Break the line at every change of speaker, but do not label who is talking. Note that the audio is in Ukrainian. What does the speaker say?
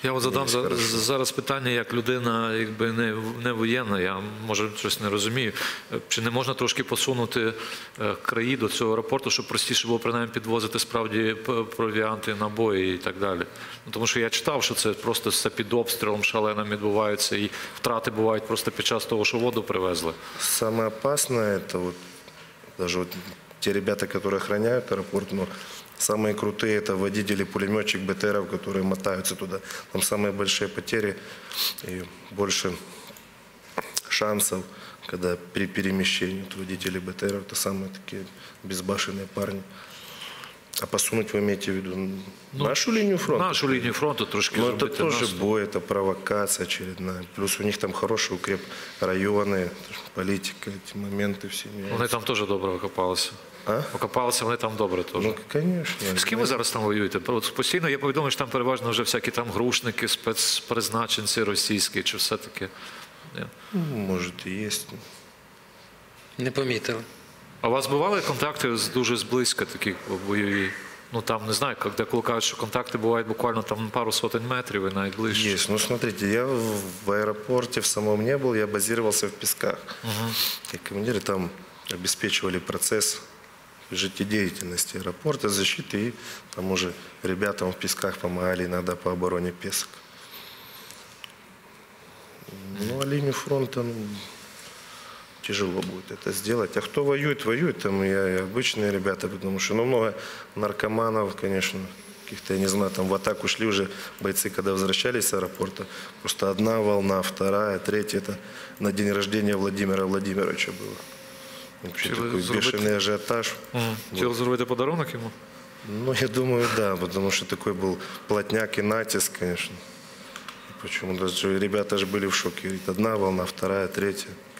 Я от задам зараз питання, як людина, якби не воєнна, я, може, щось не розумію. Чи не можна трошки посунути краї до цього аеропорту, щоб простіше було, принаймні, підвозити справді провіанти, набої і так далі? Ну, тому що я читав, що це просто все під обстрілом шаленим відбувається, і втрати бувають просто під час того, що воду привезли.
Самое опасное, это вот даже вот те ребята, которые охраняют аэропорт, но самые крутые это водители, пулеметчик БТРов, которые мотаются туда. Там самые большие потери и больше шансов, когда при перемещении водителей БТРов, это самые такие безбашенные парни. А посунуть вы имеете в виду нашу линию фронта?
Нашу лінію фронту трошки
Но это
зробити.
тоже бой, это провокация очередная. Плюс у них там хорошие укрепрайоны, политика, эти моменты все
Вони
меняются.
там теж добре окопалися.
А?
Окопалися вони там добре теж.
Ну, конечно.
З ким ви зараз там воюєте? От постійно є повідомлення, що там переважно вже всякі там грушники, спецпризначенці російські, чи все-таки?
Ну, может и есть.
Не помітили.
А у вас бували контакти дуже зблизька, такі бойові? Ну там, не знаю, коли кажуть, що контакти бувають буквально там пару сотень метрів і навіть ближче.
Есть. Ну, смотрите, я в аэропорте в самом не был, я базировался в Песках. И командиры там обеспечивали процесс жизнедеятельности аэропорта, защиты, и там уже ребятам в Песках помогали иногда по обороне Песок. Ну, а линию фронта, ну, тяжело будет это сделать. А кто воюет, воюет, там и обычные ребята, потому что, ну, много наркоманов, конечно, каких-то, я не знаю, там в атаку шли уже бойцы, когда возвращались с аэропорта. Просто одна волна, вторая, третья, это на день рождения Владимира Владимировича было. Вообще
Хотели
такой
заработать.
бешеный ажиотаж.
Хотіли зробити подарунок йому?
Ну, я думаю, да, потому что такой был плотняк и натиск, конечно. Почему даже ребята же были в шоке. Говорит, одна волна, вторая, третья.